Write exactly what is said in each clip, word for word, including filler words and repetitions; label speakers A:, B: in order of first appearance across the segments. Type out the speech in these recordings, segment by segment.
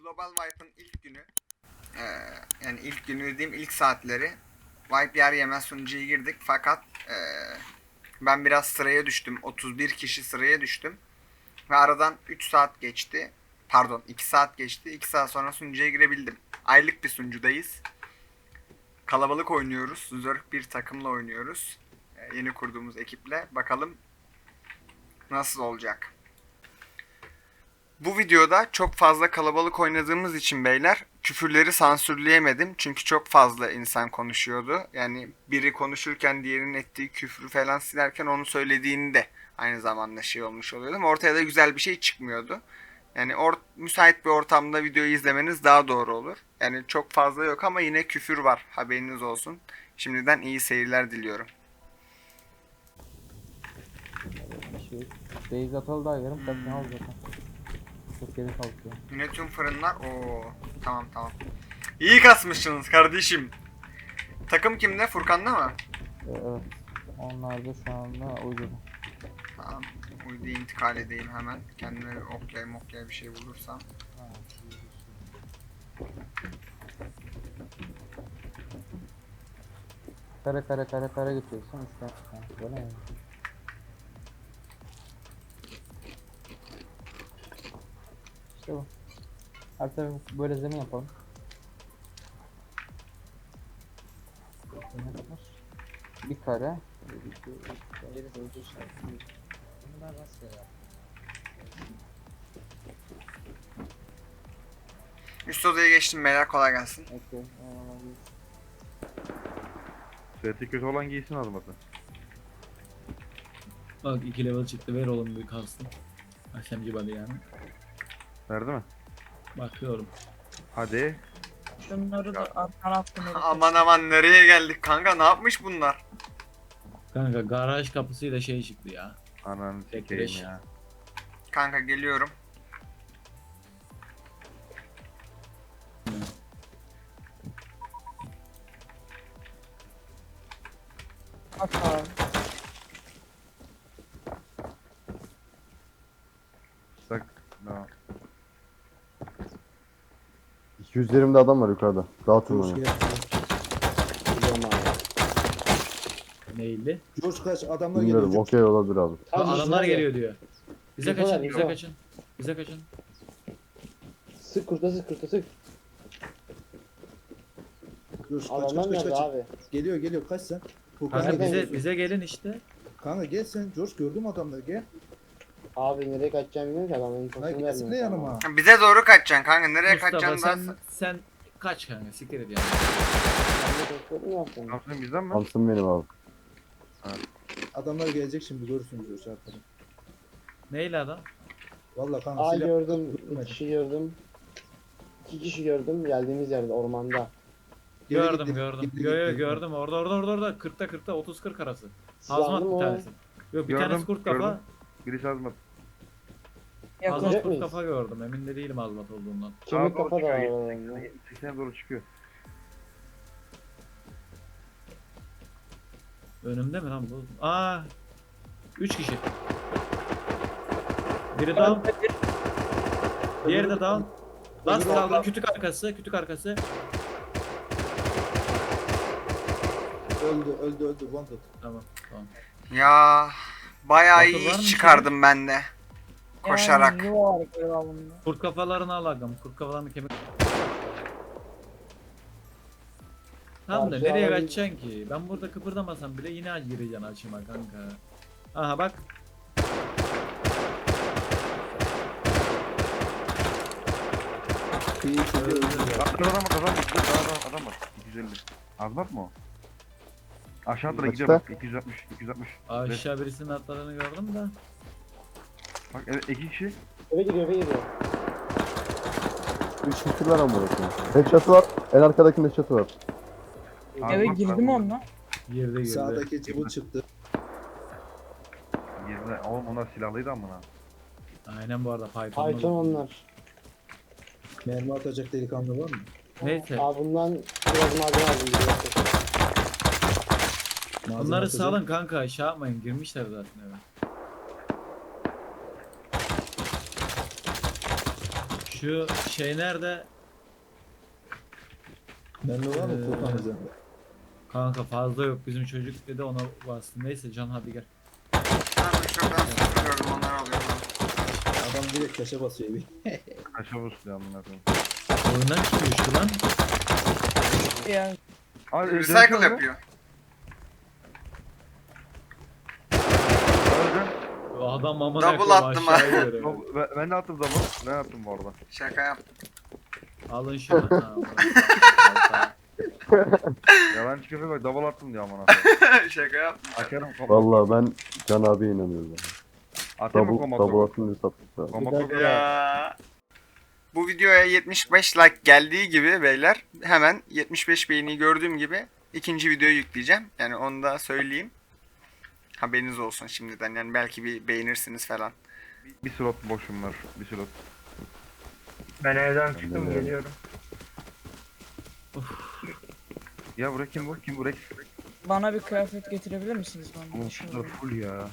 A: Global Wipe'ın ilk günü. Ee, yani ilk günü dediğim ilk saatleri. Wipe yer yemez sunucuya girdik fakat ee, ben biraz sıraya düştüm. otuz bir kişi sıraya düştüm. Ve aradan üç saat geçti. Pardon iki saat geçti. iki saat sonra sunucuya girebildim. Aylık bir sunucudayız. Kalabalık oynuyoruz. Zırh bir takımla oynuyoruz. Ee, yeni kurduğumuz ekiple. Bakalım nasıl olacak. Bu videoda çok fazla kalabalık oynadığımız için beyler küfürleri sansürleyemedim. Çünkü çok fazla insan konuşuyordu. Yani biri konuşurken diğerinin ettiği küfrü falan silerken onu söylediğini de aynı zamanda şey olmuş oluyordum. Ortaya da güzel bir şey çıkmıyordu. Yani or- müsait bir ortamda videoyu izlemeniz daha doğru olur. Yani çok fazla yok ama yine küfür var. Haberiniz olsun. Şimdiden iyi seyirler diliyorum.
B: Şey, beyaz atalı da yarım saatini aldı zaten. Çok geri kalkıyor.
A: Yine tüm fırınlar. Oo, tamam tamam. İyi kasmışsınız kardeşim. Takım kimde? Furkan'da mı?
B: Ee, evet. Onlar da şu anda uyduda.
A: Tamam. Uyduya intikal edeyim hemen. Kendime bir oklay moklay bir şey bulursam.
B: Kare kare kare kare geçiyorsun işte. Ha, böyle mi? İşte bu. Her tarafı böyle zemin yapalım. Bir kare.
C: Geri döndü şarkı. Bunu ben rastgele yaptım.
A: Üst odaya geçtim beyler, kolay gelsin.
B: Okey.
D: Seti kötü olan giysin almadı.
E: Bak iki level çıktı, ver oğlum bir kalsın. Akşam gibi yani.
D: Verdi mi?
E: Bakıyorum.
D: Hadi.
C: Şunları da alttan attım.
A: Aman aman nereye geldik kanka, ne yapmış bunlar?
E: Kanka garaj kapısıyla şey çıktı ya.
D: Ananı sikeyim
E: Bekleş.
D: ya.
A: Kanka geliyorum.
C: Atar.
D: Sak. No.
F: iki yüz yirmide adam var yukarıda. Dağıtın onu.
G: George
E: Neydi?
G: George kaç adamlar
F: Bilmiyorum,
G: geliyor.
F: okey olabilir abi.
E: Aa, adamlar geliyor diyor. Bize
C: Yukarı,
E: kaçın, bize
C: yukarı.
E: kaçın. Bize kaçın.
H: Sık kurta sık kurta sık.
G: George kaç
H: Adamlar
G: kaç kaç
H: nerede
G: kaç.
H: abi?
G: Geliyor geliyor kaç sen. Furkan
E: Kanka
H: Nereden
E: bize
H: geliyorsun?
E: bize gelin işte.
G: Kanka gel sen George, gördüm adamları gel.
H: Abi nereye kaçacağımı bilmiyorum ki adamın
G: Hayır
H: infosunu
G: gelsene
H: vermiyor.
G: yanıma.
A: Bize doğru kaçacaksın kanka, nereye
E: Mustafa
A: kaçacaksın
E: sen
A: da...
E: sen kaç kanka, siktir et yani.
H: Ben de doktor mu yaptın?
D: Samsun bizden mi?
F: Hamsın benim abi.
G: Adamlar gelecek şimdi, görürsün George arkada.
E: Neyle adam?
G: Valla kanka
H: Aa
G: silah-
H: gördüm.
G: Görmedim.
H: İki kişi gördüm. İki kişi gördüm geldiğimiz yerde ormanda.
G: Geri
E: Gördüm
G: gitti,
E: gördüm.
G: gitti,
E: Yo yo
G: gitti.
E: gördüm, orada orada orada orada kırkta kırkta otuz kırk arası.
H: Silahlı
E: Hazmat
H: mı
E: bir
H: o?
E: tanesi. Yok bir
D: Gördüm,
E: tanesi kurt kafa.
D: gördüm. Birisi azmat.
E: Hazmat
H: Yakacak
E: kurt
H: mıyız?
E: kafa gördüm. Emin de değilim hazmat olduğundan.
H: Kemik
D: Sağa doğru
H: kafa da var
D: çıkıyor,
H: orada.
D: seksene doğru çıkıyor.
E: Önümde mi lan bu? Aa! üç kişi. Biri down. Diğeri de down. Last
G: Öbürü
E: kaldı.
G: orada.
E: Kütük arkası, kütük arkası.
G: Öldü öldü öldü wanted.
E: Tamam, tamam.
A: Ya bayağı
E: Bakır
A: iyi
E: var mı
A: iş çıkardım ben de. Koşarak.
C: Yani var galiba bunda.
E: Kurt kafalarını al agam. Kurt kafalarını kemik. Tamam da
H: Karşı
E: nereye
H: alan-
E: kaçacaksın ki? Ben burada kıpırdamasam bile yine gireceksin açıma kanka. Aha bak.
G: İyi çözüyor.
D: Adam adam var, adam var. Adam, adam var. iki yüz elli. Azmat mı o? Aşağı doğru
F: Kaçta?
D: gidiyor bak. iki yüz altmış, iki yüz altmış.
E: Aşağı birisinin atladığını gördüm de.
D: Bak evet, iki kişi.
H: Eve giriyor eve giriyor.
F: üç kişi var ama burası. Headshot'ı var. En arkadakinin headshot'ı var.
C: Eve
D: Azmat
C: girdi
D: var.
C: mi onunla?
E: Girdi girdi.
G: Sağdaki çubuk çıktı.
D: Girdi. Oğlum onlar silahlıydı amına.
E: Aynen bu arada Python'da.
H: Python onlar.
G: Mermi atacak delikanlı var mı?
E: Neyse.
H: Abi bundan biraz malzeme aldım. biliyorsun.
G: Malzeme
E: Bunları
G: atacak.
E: salın kanka, şey yapmayın, girmişler zaten eve. Şu şey nerede?
G: Bende var mı
E: Ee,
G: Furkan üzerinde?
E: Kanka fazla yok, bizim çocuk dedi ona bastım. Neyse Can hadi gel.
A: Ben de şuradan sıkılıyorum, onları alıyorum.
G: Adam direkt taşa basıyor bir.
D: Aşağı busluyor amına koyayım.
E: Oyundan kim düştü lan?
C: Ya
D: Abi,
A: Recycle yapıyor.
D: Öldü.
E: O adam amına
A: Double
E: koyayım
A: attım
E: aşağıya
A: ha.
E: göre.
D: Double- Ben, ben de attım double. Ben attım bu arada.
A: Şaka yaptım.
E: Alın şunu. Ha, amına koyayım.
D: Yalan çıkıyor bak double attım diyor amına koyayım.
A: Şaka yaptım.
D: Açarım kombo.
F: Vallahi ben Can abiye inanıyorum.
D: Atayım mı
F: Double,
D: kombo?
F: double atınca sattık abi.
D: Kombo
A: Ya. Bu videoya yetmiş beş like geldiği gibi beyler hemen yetmiş beş beğeni gördüğüm gibi ikinci videoyu yükleyeceğim. Yani onu da söyleyeyim. Haberiniz olsun şimdiden. Yani belki bir beğenirsiniz falan.
D: Bir slot boşum var. Bir slot.
I: Ben evden
F: Ben de
I: çıktım
F: öyle.
I: geliyorum.
D: Ya buraya kim bu? Kim bu Rex?
C: bana bir kıyafet getirebilir misiniz bana?
D: Oğlum
C: Şey
D: şunlar full ya.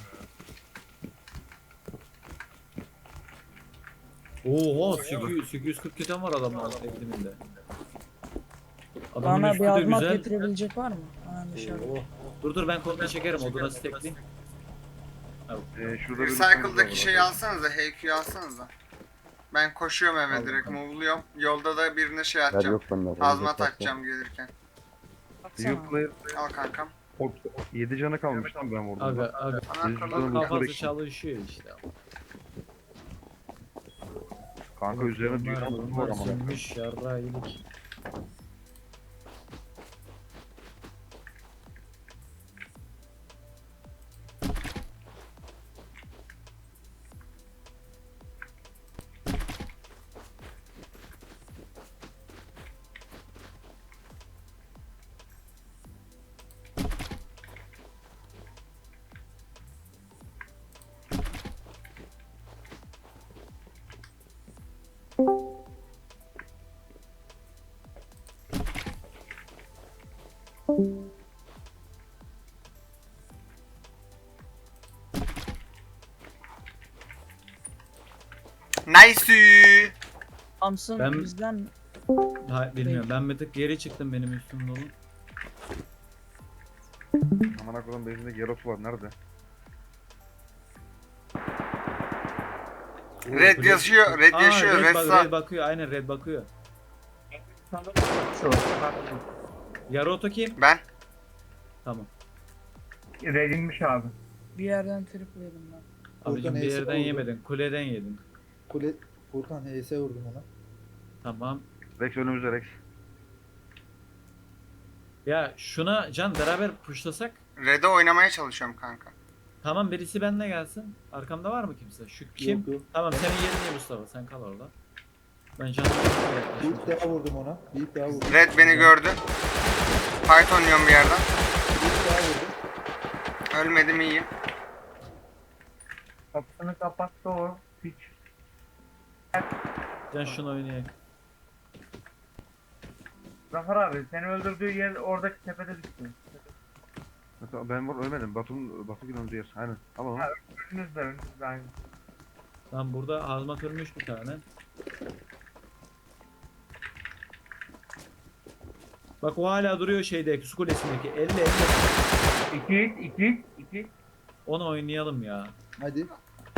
E: Oha sekiz yüz sekiz yüz kırk keten var adamın ekliminde. Adamın
C: Bana
E: üstü
C: bir
E: de
C: azmat
E: güzel.
C: getirebilecek var mı? Ha, dışarı.
E: Dur dur ben kontrol çekerim, oduna stackleyeyim.
D: Ee, şurada bir
A: Recycle'daki şeyi alsanıza, H Q'yu alsanıza. Ben koşuyorum eve
E: Al
A: direkt,
E: bakalım.
A: move'luyorum. Yolda da birine şey
F: Yer
A: atacağım.
F: yok bende.
A: Azmat atacağım gelirken.
C: Baksana.
D: New player
A: Al kankam.
D: yedi canı kalmış lan ben vurdum.
E: Aga aga
A: Ana
D: Yüzünden
A: kırmızı
E: kafası
D: bekle.
E: çalışıyor işte.
D: Kanka üzerine düğün
E: Bunlar
D: altı var
E: bunlar
D: ama.
E: sönmüş yarrağı yedik.
A: Nice.
C: Thompson
E: Ben-
C: bizden
E: Ha, bilmiyorum ben bir tık geri çıktım, benim üstüm dolu.
D: Amına koyayım bezinde Geros var nerede?
A: Red yaşıyor, red
E: Aa,
A: yaşıyor,
E: red,
A: red
E: bak-
A: sağ.
E: red bakıyor, aynen red bakıyor.
I: Şu.
E: Yaroto kim?
A: Ben.
E: Tamam.
I: Redinmiş abi.
C: bir yerden triple yedim ben.
E: Abicim bir
G: neyse
E: yerden
G: oldu.
E: yemedin, kuleden yedin.
G: Kule Furkan H S vurdum ona.
E: Tamam.
D: Rex önümüzde Rex.
E: Ya şuna Can beraber pushlasak.
A: Red'e oynamaya çalışıyorum kanka.
E: Tamam birisi benimle gelsin. Arkamda var mı kimse? Şu kim?
G: Yok yok.
E: Tamam senin yerin ne Mustafa? Sen kal orada. Ben Can'la
G: Bir ip daha vurdum ona. Bir ip daha vurdum.
A: Red beni gördü. Fight oynuyorum bir yerden.
G: Bir ip daha vurdum.
A: Ölmedim, iyiyim.
I: Kapısını kapattı o. Hiç.
E: Can şunu oynayayım.
I: Zafer abi seni öldürdüğü yer oradaki tepede düştü.
D: Mesela ben var ölmedim. Batu'nun Batu günün yer. Aynen. Al onu.
I: Önünüzde önünüzde aynı.
E: Tamam burada hazmat ölmüş bir tane. Bak o hala duruyor şeydeki su kulesindeki. elli elli.
I: İki hit, iki hit, iki hit.
E: Onu oynayalım ya.
G: Hadi.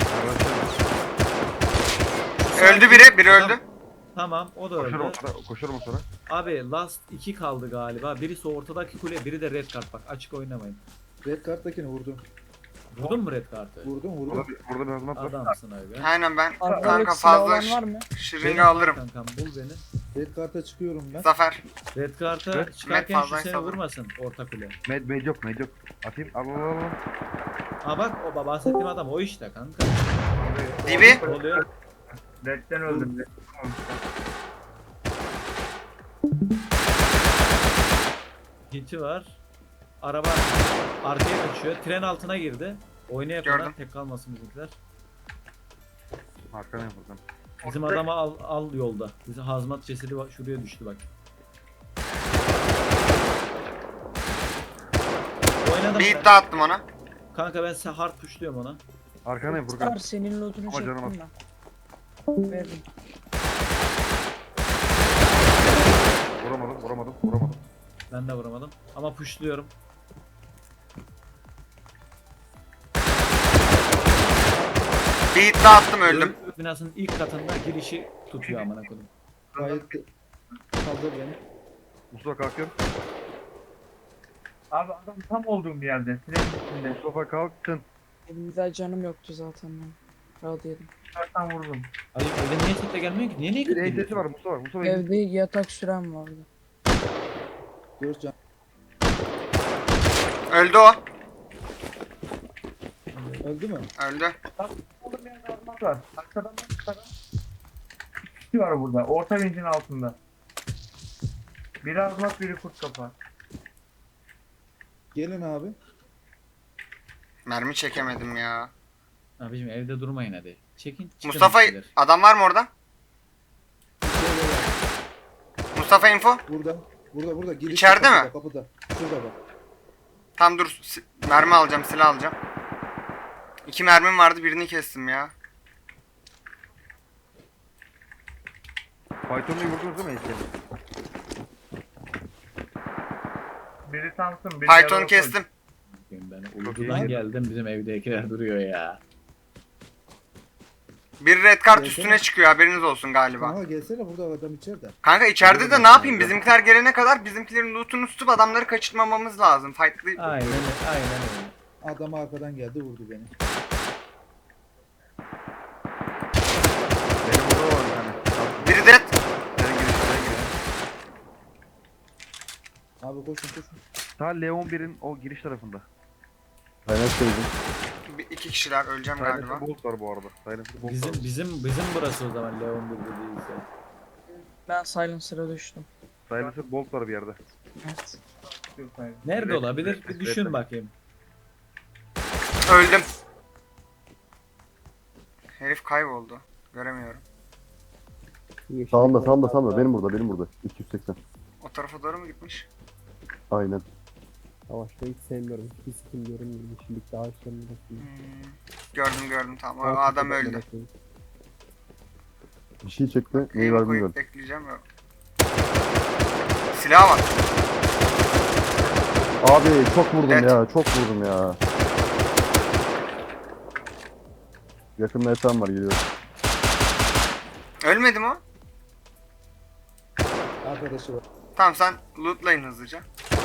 A: Öldü biri, biri öldü.
E: Tamam o da
D: Koşarım o
E: öldü.
D: sonra. Koşarım o sonra.
E: Abi last iki kaldı galiba. Birisi ortadaki kule, biri de red kart, bak açık oynamayın.
G: Red karttakini vurdum.
E: Vurdun mu red kartı?
G: Vurdum vurdum.
D: Burada bir, burada bir hazmat var.
E: Adamsın abi.
A: Aynen ben
C: Arkadaki
A: kanka
C: silah
A: fazla
C: olan var mı?
A: şırınga alırım.
E: Kankam bul beni.
G: Red karta çıkıyorum ben.
A: Zafer.
E: Red kartı
D: Evet,
E: çıkarken
A: Met
E: şu
A: fazla
E: seni
A: sanırım.
E: vurmasın orta kule.
D: Med, med yok med yok. Atayım. Al al al. al.
E: Aa bak o bahsettiğim adam o işte kanka.
A: Dibi.
E: Ne oluyor?
I: Redden öldüm.
E: Hiti var. Araba arkaya kaçıyor. Tren altına girdi. Oynaya
A: Gördüm.
E: kadar tek kalmasın bizimkiler.
D: Arkana yapalım.
E: Bizim adamı al, al yolda. Bizim hazmat cesedi bak- şuraya düştü bak. Oynadım
A: Bir
E: ben.
A: iddia attım ona.
E: Kanka ben size hard pushluyorum ona.
D: Arkana yap Furkan.
C: Star senin lootunu
D: Ama canım
C: çektim ben. Verdim.
E: Ben de vuramadım. Ama pushluyorum.
A: Bir hit daha attım öldüm.
E: Öğretmen binasının ilk katında girişi tutuyor amına koydum.
G: Gayet de- kaldır beni.
D: Mustafa kalkıyorum.
I: Abi adam tam olduğum bir yerde. Sineğin içinde.
D: Mustafa kalktın.
C: Benim daha canım yoktu zaten ben. Rahat yedim.
I: Zaten vurdum.
E: Abi evde niye sette gelmiyor ki? Niye niye
D: Bir
E: gitti?
D: E T S var Mustafa. Mustafa
C: Evde yatak sürem vardı.
G: Dört can.
A: Öldü o.
G: Öldü mü?
A: Öldü.
I: Olduğum yerde azmat var. Arkadan da arkadan. İki kişi var burada. Orta vincin altında. Biri azmat, biri kurt kafa.
G: Gelin abi.
A: Mermi çekemedim ya.
E: Abicim evde durmayın hadi. Çekin. çıkın
A: Mustafa
E: bir şeyler.
A: adam var mı orada? Mustafa info.
G: Burada. Burada burada. Giriş
A: İçeride
G: kapıda,
A: mi?
G: Kapıda. Şurada bak.
A: Tam dur. si- Mermi alacağım, silah alacağım. İki mermim vardı, birini kestim ya.
D: Python'u vurdunuz değil mi Eşeli?
I: Biri Samsun, biri
A: Python'u
I: Yalova.
A: kestim.
E: Ben
D: Çok
E: uykudan
D: iyi.
E: geldim bizim evdekiler duruyor ya.
A: Bir red kart
G: Gelsene.
A: üstüne çıkıyor, haberiniz olsun galiba.
G: Ama gelsene burada adam içeride.
A: Kanka içeride de ne yapayım? Bizimkiler gelene kadar bizimkilerin lootunu tutup adamları kaçırmamamız lazım. Fight'lı.
E: Aynen aynen öyle.
G: Adam arkadan geldi vurdu beni.
D: Benim orada var bir tane. Kalktım.
A: Biri dead.
D: Sen gir, sen gir.
G: Abi koşun koşun.
D: Ta Leon birin o giriş tarafında.
F: Kaynak sevdim.
A: Bir, iki kişiler öleceğim galiba.
D: Silencer Bolt var bu arada. Silencer Bolt
E: Bizim
D: var.
E: bizim bizim burası o zaman Leon bir değilse.
C: Ben Silencer'a düştüm.
D: Silencer Bolt var bir yerde.
C: Evet.
E: Nerede
D: Red-
E: olabilir?
D: red-
E: Bir
D: red-
E: düşün
D: red-
E: bakayım.
A: Öldüm. Herif kayboldu. Göremiyorum.
F: Sağımda sağımda sağımda. Benim burada benim burada. iki yüz seksen.
A: O tarafa doğru mu gitmiş?
F: Aynen.
B: Savaşta hiç sevmiyorum. Hiçbir sikim görünmüyor. Yeşillikte ağaçların arasında.
A: Hmm. Gördüm gördüm tamam. O adam öldü.
F: Bir şey çekti. Neyi
A: Eğimi
F: var
A: koyup
F: bilmiyorum.
A: bekleyeceğim. Yok. Silah var.
F: Abi çok vurdum
A: Evet.
F: ya. Çok vurdum ya. Yakında etam var geliyor.
A: Ölmedi mi o?
G: Arkadaşı var.
A: Tamam sen lootlayın hızlıca.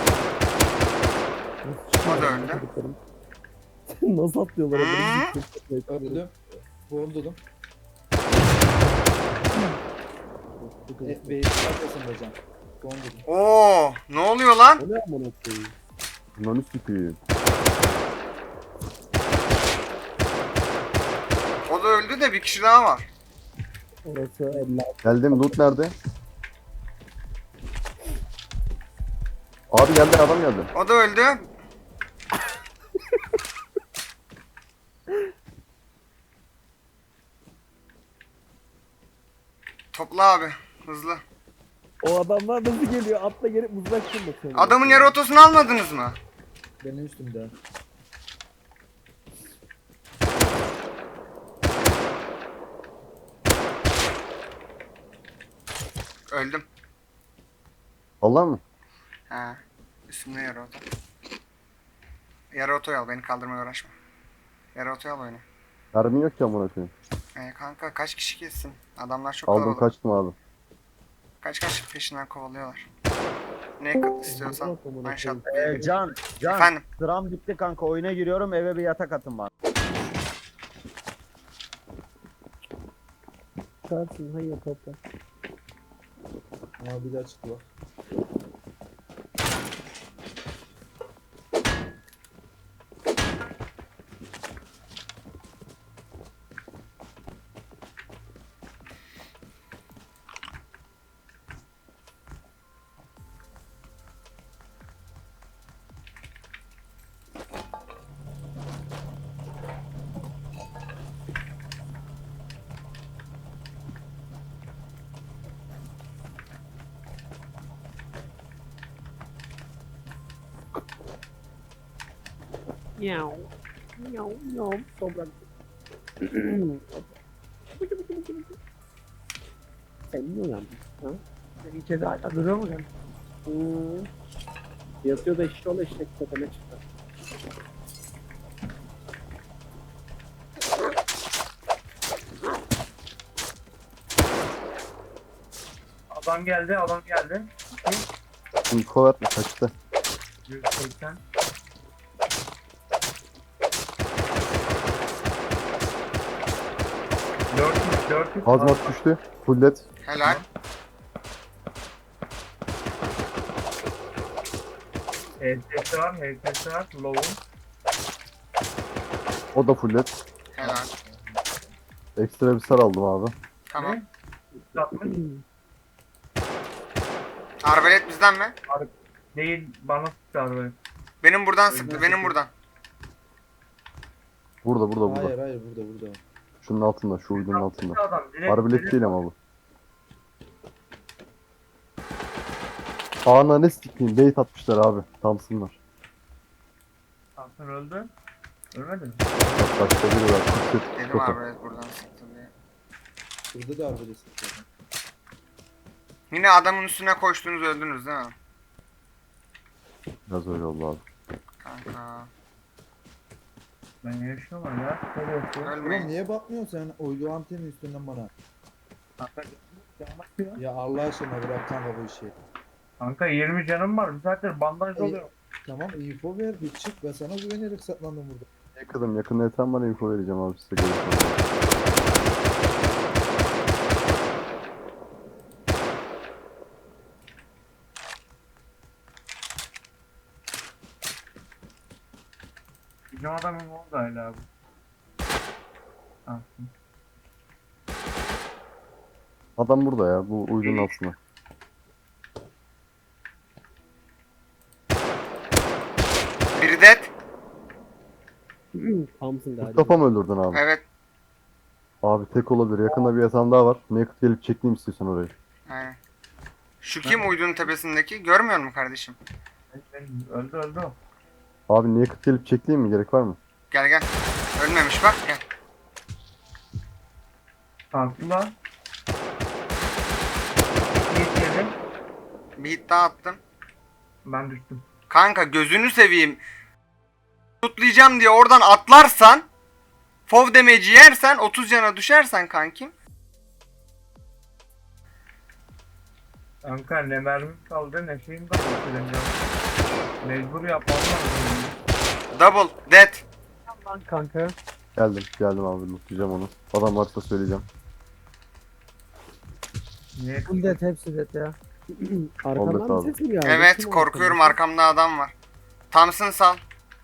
A: O da öldü.
B: Nasıl atlıyorlar?
A: Hmm.
G: Öldüm. Vurdum. E, Bey'in arkasında can. Vurdum.
A: Oo, ne oluyor lan?
B: O ne amına koyayım?
F: Bunları sikiyim.
A: O da öldü de bir kişi daha var.
B: Orası elli.
F: Geldim. Loot nerede? Abi geldi adam geldi.
A: O da öldü. Topla abi. Hızlı.
B: O adamlar nasıl geliyor? Atla gelip mızrak fırlatıyor.
A: Adamın yarı otosunu almadınız mı?
G: Benim üstümde.
A: Öldüm.
F: Allah mı?
A: He. Üstümde yarı oto. Yarı otoyu al. Beni kaldırmaya uğraşma. Yarı otoyu al oyunu.
F: Mermi yok ki amına koyayım.
A: Ee, kanka kaç kişi kessin? Adamlar çok
F: Aldım
A: kalabalık.
F: kaçtım abi.
A: Kaç kaç peşinden kovalıyorlar. Ne kat istiyorsan one shot.
J: Ee, Can, Can,
A: Efendim.
J: sıram bitti kanka. Oyuna giriyorum. Eve bir yatak atın bana.
B: Çıkarsın hayır topla.
G: Ama bir daha çıktı bak.
B: Miau. Miau, miau. Toprak. Sen niye uyandın? Ha? Sen içeride hala duruyor mu sen? Hmm.
C: Yatıyor da eşek ol eşek tepeme çıktı.
I: Adam geldi, adam geldi.
F: Info ver kaçtı.
I: yüz seksen. dört yüz, dört yüz.
F: Hazmat düştü. Fullet.
A: Helal.
I: H S var, H S var. Low'un.
F: O da fullet.
A: Helal.
F: Ekstra bir sar aldım abi.
A: Tamam.
I: Satmış.
A: Arbalet bizden mi?
I: Değil, bana sıktı arabayı.
A: Benim buradan sıktı. Benim buradan.
F: Burada burada burada.
G: Hayır hayır burada burada.
F: Şunun altında. Şu uydunun altında.
I: Adam, direkt,
F: Arbelet
I: direkt-
F: değil ama bu. Ağına ne sikeyim? Bait atmışlar abi. Tamsınlar.
I: Hasan öldü. Ölmedi mi?
F: Bak başka biri var. Kırk
A: Dedim
F: kırk.
A: arbalet buradan sıktı diye.
G: Burada da arbelet sıkıyor.
A: Yine adamın üstüne koştunuz öldünüz değil mi?
F: Biraz öyle oldu abi.
A: Kanka.
I: Ben yaşıyorum ya. Böyle yapıyor.
G: Ulan
A: Ölmeyin.
G: niye bakmıyorsun sen uydu antenin üstünden bana?
I: Kanka, canım bakıyor.
G: Ya Allah aşkına bırak kanka bu işi.
I: Kanka yirmi canım var. Bir saattir bandaj
G: İyi.
I: oluyor.
G: Tamam info ver bir çık ben sana güvenerek saklandım burada.
F: Yakınım yakında yeter bana info vereceğim abi size görüşürüz.
I: Bizim adamın oldu hala bu. Ah,
F: Adam burada ya bu uydunun altında.
A: Biri dead.
C: Thompson galiba.
F: Mustafa mı öldürdün abi?
A: Evet.
F: Abi tek olabilir. Yakında bir yatağım daha var. Naked gelip çekeyim istiyorsan orayı.
A: Aynen. Şu kim uydunun tepesindeki? Görmüyor musun kardeşim?
I: ben- öldü öldü o.
F: Abi Naked gelip çekeyim mi? Gerek var mı?
A: Gel gel. Ölmemiş bak gel.
I: Kalktı lan. Hit yedi.
A: Bir hit daha attım.
I: Ben düştüm.
A: Kanka gözünü seveyim. Tutlayacağım diye oradan atlarsan Fov damage'i yersen otuz cana düşersen kankim.
I: Kanka ne mermim kaldı ne şeyim kaldı. Mecbur yapmam lazım.
A: Double dead.
C: Lan kanka.
F: Geldim. Geldim abi. Lootlayacağım onu. Adam varsa söyleyeceğim.
I: Niye?
C: Full dead hepsi dead ya.
F: Oldu
C: Arkamdan bir
F: abi.
C: ses mi geldi?
A: Evet
C: Kim o
A: korkuyorum
C: arkamda?
A: arkamda adam var. Thompson sal.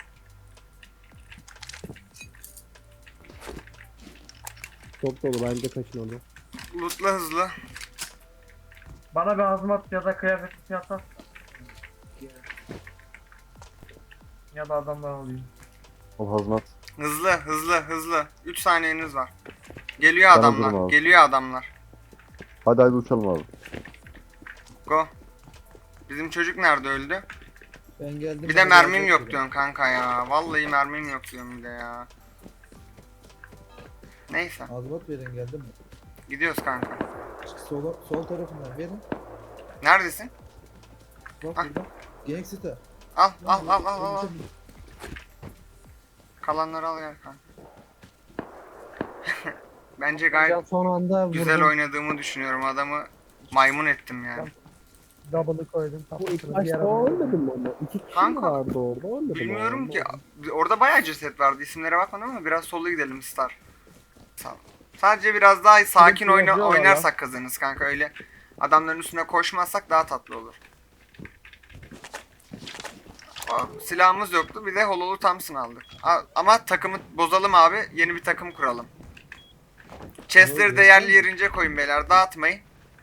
C: Çok dolu bence kaçın onu.
A: Lootla hızlı.
I: Bana bir hazmat ya da kıyafet yatar. Ya da adamdan alayım.
F: O hazmat.
A: Hızlı hızlı hızlı. üç saniyeniz var. Geliyor
F: Ben
A: adamlar.
F: hazırım abi.
A: Geliyor adamlar.
F: Hadi hadi uçalım abi.
A: Go. Bizim çocuk nerede öldü?
G: Ben geldim.
A: Bir de
G: bana
A: mermim
G: gelecek
A: yok
G: dedi.
A: diyorsun kanka ya. Vallahi mermim yok diyorum bir de ya. Neyse.
G: Azmat verin geldim mi?
A: Gidiyoruz kanka.
G: Çık sola, sol tarafından verin.
A: Neredesin?
G: Bak
A: Ah.
G: burada. Gangster.
A: Al al al al al. al. Kalanları al gel kanka. Bence gayet
C: Son anda
A: güzel
C: vurdum.
A: oynadığımı düşünüyorum. Adamı maymun ettim yani.
C: Double'ı koydum. Bu ilk başta o ölmedi mi ama? İki kişi
A: Kanka,
C: mi vardı orada? Ölmedi mi?
A: Bilmiyorum ki. Orada bayağı ceset vardı. İsimlere bakmadım ama biraz solu gidelim Star. Sağ ol. Sadece biraz daha sakin
C: Sürekli
A: oyna
C: yazıyorlar
A: oynarsak kazanırız kanka. Öyle adamların üstüne koşmazsak daha tatlı olur. Aa, silahımız yoktu. Bir de Hololu Thompson aldık. A- ama takımı bozalım abi. Yeni bir takım kuralım. Chestleri de yerli yerince koyun beyler. Dağıtmayın.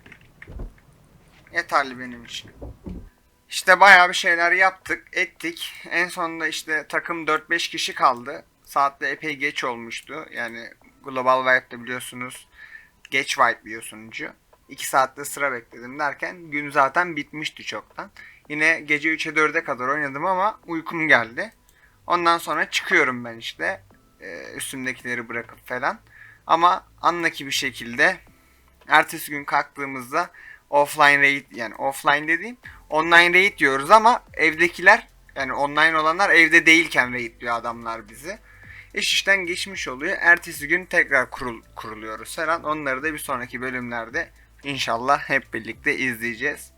A: Yeterli benim için. İşte bayağı bir şeyler yaptık, ettik. En sonunda işte takım dört beş kişi kaldı. Saatte epey geç olmuştu. Yani Global Wipe'de biliyorsunuz geç wipe'liyor sunucu. iki saatte sıra bekledim derken gün zaten bitmişti çoktan. Yine gece üçe dörde kadar oynadım ama uykum geldi. Ondan sonra çıkıyorum ben işte. Ee, üstümdekileri bırakıp falan. Ama anlaki bir şekilde Ertesi gün kalktığımızda offline raid, yani offline dediğim online raid diyoruz ama evdekiler, yani online olanlar evde değilken raid diyor adamlar bizi. İş işten geçmiş oluyor. Ertesi gün tekrar kurul, kuruluyoruz falan. Onları da bir sonraki bölümlerde inşallah hep birlikte izleyeceğiz.